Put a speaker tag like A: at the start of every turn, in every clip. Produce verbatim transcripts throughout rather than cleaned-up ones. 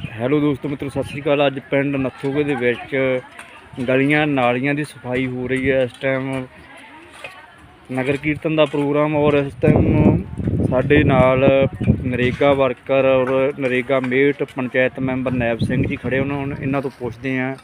A: Hello ਦੋਸਤੋ ਮਿੱਤਰੋ, ਸਤਿ ਸ਼੍ਰੀ ਅਕਾਲ। ਅੱਜ ਪਿੰਡ ਨੱਥੋਗੇ ਦੇ ਵਿੱਚ ਗਲੀਆਂ ਨਾਲੀਆਂ ਦੀ ਸਫਾਈ ਹੋ ਰਹੀ ਹੈ। ਇਸ ਟਾਈਮ ਨਗਰ ਕੀਰਤਨ ਦਾ ਪ੍ਰੋਗਰਾਮ ਔਰ ਇਸ ਟਾਈਮ ਸਾਡੇ ਨਾਲ ਨਰੇਗਾ ਵਰਕਰ ਔਰ ਨਰੇਗਾ ਮੇਟ ਪੰਚਾਇਤ ਮੈਂਬਰ ਨੈਬ ਸਿੰਘ ਜੀ ਖੜੇ। ਉਹਨਾਂ ਨੂੰ ਇਹਨਾਂ ਤੋਂ ਪੁੱਛਦੇ ਹਾਂ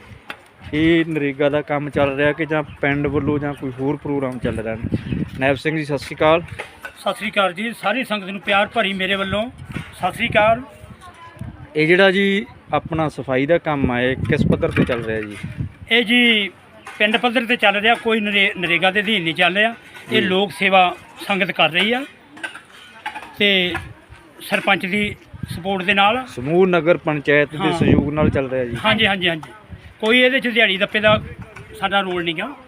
A: ਇਹ ਨਰੇਗਾ ਦਾ ਕੰਮ ਚੱਲ ਰਿਹਾ ਕਿ ਜਾਂ ਪਿੰਡ ਵੱਲੋਂ ਜਾਂ ਕੋਈ ਹੋਰ ਪ੍ਰੋਗਰਾਮ ਚੱਲ ਰਿਹਾ। ਨੈਬ ਸਿੰਘ ਜੀ, ਸਤਿ ਸ਼੍ਰੀ ਅਕਾਲ।
B: ਸਤਿ ਸ਼੍ਰੀ ਅਕਾਲ ਜੀ। ਸਾਰੀ ਸੰਗਤ ਨੂੰ ਪਿਆਰ ਭਰੀ ਮੇਰੇ ਵੱਲੋਂ ਸਤਿ ਸ਼੍ਰੀ ਅਕਾਲ।
A: ਇਹ ਜਿਹੜਾ ਜੀ ਆਪਣਾ ਸਫਾਈ ਦਾ ਕੰਮ ਆ, ਇਹ ਕਿਸ ਪੱਧਰ 'ਤੇ ਚੱਲ ਰਿਹਾ ਜੀ?
B: ਇਹ ਜੀ ਪਿੰਡ ਪੱਧਰ ਤੇ ਚੱਲ ਰਿਹਾ, ਕੋਈ ਨਰੇ ਨਰੇਗਾ ਦੇ ਅਧੀਨ ਨਹੀਂ ਚੱਲ ਰਿਹਾ। ਇਹ ਲੋਕ ਸੇਵਾ ਸੰਗਤ ਕਰ ਰਹੀ ਆ ਤੇ ਸਰਪੰਚ ਦੀ ਸਪੋਰਟ ਦੇ ਨਾਲ,
A: ਸਮੂਹ ਨਗਰ ਪੰਚਾਇਤ ਦੇ ਸਹਿਯੋਗ ਨਾਲ ਚੱਲ ਰਿਹਾ ਜੀ।
B: ਹਾਂਜੀ ਹਾਂਜੀ ਹਾਂਜੀ ਕੋਈ ਇਹਦੇ 'ਚ ਦਿਹਾੜੀ ਦੱਪੇ ਦਾ ਸਾਡਾ ਰੋਲ ਨਹੀਂ ਗਾ।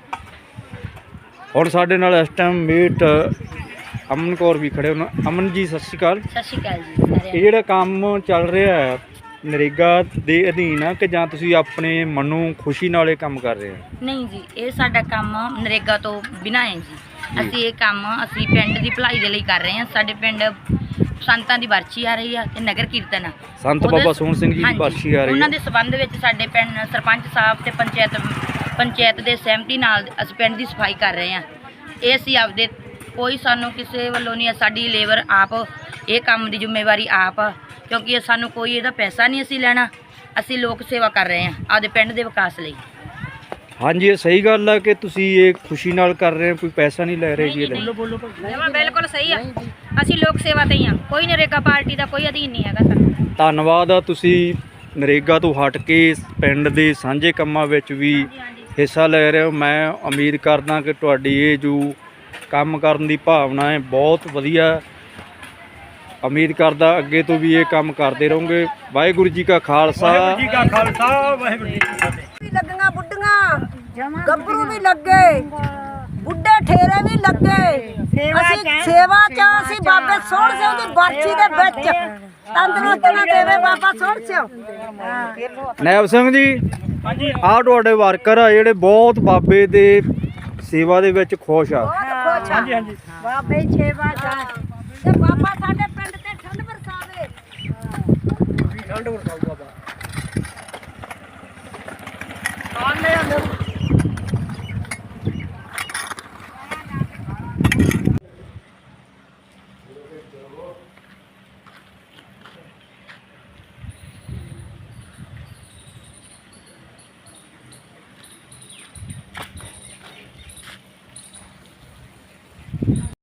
A: ਔਰ ਸਾਡੇ ਨਾਲ ਇਸ ਟਾਈਮ ਮੇਟ ਅਮਨ ਕੌਰ ਵੀ ਖੜੇ ਉਹਨਾਂ। ਅਮਨ ਜੀ, ਸਤਿ ਸ਼੍ਰੀ ਅਕਾਲ।
C: ਸਤਿ ਸ਼੍ਰੀ ਅਕਾਲ ਜੀ ਸਾਰਿਆਂ
A: ਇਹ ਜਿਹੜਾ ਕੰਮ ਚੱਲ ਰਿਹਾ ਹੈ ਨਰੇਗਾ ਦੇ ਅਧੀਨ ਆ ਕਿ ਜਾਂ ਤੁਸੀਂ ਆਪਣੇ ਮਨੋਂ ਖੁਸ਼ੀ ਨਾਲ ਇਹ ਕੰਮ ਕਰ ਰਹੇ ਹੋ?
C: ਨਹੀਂ ਜੀ, ਇਹ ਸਾਡਾ ਕੰਮ ਨਰੇਗਾ ਤੋਂ ਬਿਨਾਂ ਹੈ ਜੀ। ਅਸੀਂ ਇਹ ਕੰਮ ਅਸੀਂ ਪਿੰਡ ਦੀ ਭਲਾਈ ਦੇ ਲਈ ਕਰ ਰਹੇ ਹਾਂ। ਸਾਡੇ ਪਿੰਡ ਸੰਤਾਂ ਦੀ ਬਰਛੀ ਆ ਰਹੀ ਆ ਤੇ ਨਗਰ ਕੀਰਤਨ ਆ।
A: ਸੰਤ ਬਾਬਾ ਸੋਹਣ ਸਿੰਘ ਜੀ ਦੀ
C: ਹਾਂਜੀ,
A: ਬਰਛੀ ਆ ਰਹੀ
C: ਉਹਨਾਂ
A: ਹੈ।
C: ਦੇ ਸਬੰਧ ਵਿੱਚ ਸਾਡੇ ਪਿੰਡ ਸਰਪੰਚ ਸਾਹਿਬ ਤੇ ਪੰਚਾਇਤ ਪੰਚਾਇਤ ਦੇ ਸਹਿਮਤੀ ਨਾਲ ਅਸੀਂ ਪਿੰਡ ਦੀ ਸਫਾਈ ਕਰ ਰਹੇ ਹਾਂ। ਇਹ ਅਸੀਂ ਆਪਦੇ ਕੋਈ ਸਾਨੂੰ ਕਿਸੇ ਵੱਲੋਂ ਨਹੀਂ, ਸਾਡੀ ਲੇਬਰ ਆਪ ਇਹ ਕੰਮ ਦੀ ਜ਼ਿੰਮੇਵਾਰੀ ਆਪ, ਕਿਉਂਕਿ ਸਾਨੂੰ ਕੋਈ ਇਹਦਾ ਪੈਸਾ ਨਹੀਂ ਅਸੀਂ ਲੈਣਾ। ਅਸੀਂ ਲੋਕ ਸੇਵਾ ਕਰ ਰਹੇ ਹਾਂ ਆਪਦੇ ਪਿੰਡ ਦੇ ਵਿਕਾਸ ਲਈ।
A: ਹਾਂਜੀ, ਇਹ ਸਹੀ ਗੱਲ ਆ ਕਿ ਤੁਸੀਂ ਇਹ ਖੁਸ਼ੀ ਨਾਲ ਕਰ ਰਹੇ ਹੋ, ਕੋਈ ਪੈਸਾ ਨਹੀਂ ਲੈ ਰਹੇ ਜੀ ਇਹਦਾ।
B: ਬੋਲੋ ਬੋਲੋ
C: ਬਿਲਕੁਲ ਸਹੀ ਆ, ਅਸੀਂ ਲੋਕ ਸੇਵਾ ਤੇ ਹੀ ਆ, ਕੋਈ ਨਰੇਗਾ ਪਾਰਟੀ ਦਾ ਕੋਈ ਅਧੀਨ ਨਹੀਂ ਹੈਗਾ ਸਾਡਾ।
A: ਧੰਨਵਾਦ ਆ, ਤੁਸੀਂ ਨਰੇਗਾ ਤੋਂ ਹਟ ਕੇ ਪਿੰਡ ਦੇ ਸਾਂਝੇ ਕੰਮਾਂ ਵਿੱਚ ਵੀ ਹਿੱਸਾ ਲੈ ਰਹੇ ਹੋ। ਮੈਂ ਉਮੀਦ ਕਰਦਾ ਕਿ ਤੁਹਾਡੀ ਇਹ ਜੋ ਕੰਮ ਕਰਨ ਦੀ ਭਾਵਨਾ ਹੈ ਬਹੁਤ ਵਧੀਆ। ਉਮੀਦ ਕਰਦਾ ਅੱਗੇ ਤੋਂ ਵੀ ਇਹ ਕੰਮ ਕਰਦੇ ਰਹੋਗੇ। ਵਾਹਿਗੁਰੂ ਜੀ ਕਾ ਖਾਲਸਾ,
B: ਵਾਹਿਗੁਰੂ ਜੀ ਕਾ ਖਾਲਸਾ, ਵਾਹਿਗੁਰੂ ਜੀ ਕੀ ਫਤਿਹ।
D: ਲੱਗੀਆਂ ਬੁੱਢੀਆਂ ਗੱਭਰੂ ਵੀ ਲੱਗੇ, ਬੁੱਢੇ ਠੇਰੇ ਵੀ ਲੱਗੇ। ਅਸੀਂ ਸੇਵਾ ਚ ਅਸੀਂ ਬਾਬੇ ਸੋਹਣ ਸਿੰਘ ਦੀ ਬਰਛੀ ਦੇ ਵਿੱਚ ਤੰਦਰੁਸਤੀਆਂ ਦੇਵੇ ਬਾਬਾ ਸੋਹਣ ਸਿੰਘ।
A: ਨੈਬ ਸਿੰਘ ਜੀ,
B: ਹਾਂਜੀ
A: ਆਹ ਤੁਹਾਡੇ ਵਰਕਰ ਆ ਜਿਹੜੇ ਬਹੁਤ ਬਾਬੇ ਦੇ ਸੇਵਾ ਦੇ ਵਿੱਚ ਖੁਸ਼ ਆ।
B: ਹਾਂਜੀ ਹਾਂਜੀ
D: ਬਾਬੇ ਸੇਵਾ ਚ ਤੇ ਬਾਬਾ ਸਾਡੇ ਪਿੰਡ ਤੇ ਠੰਡ ਵਰਸਾਵੇ।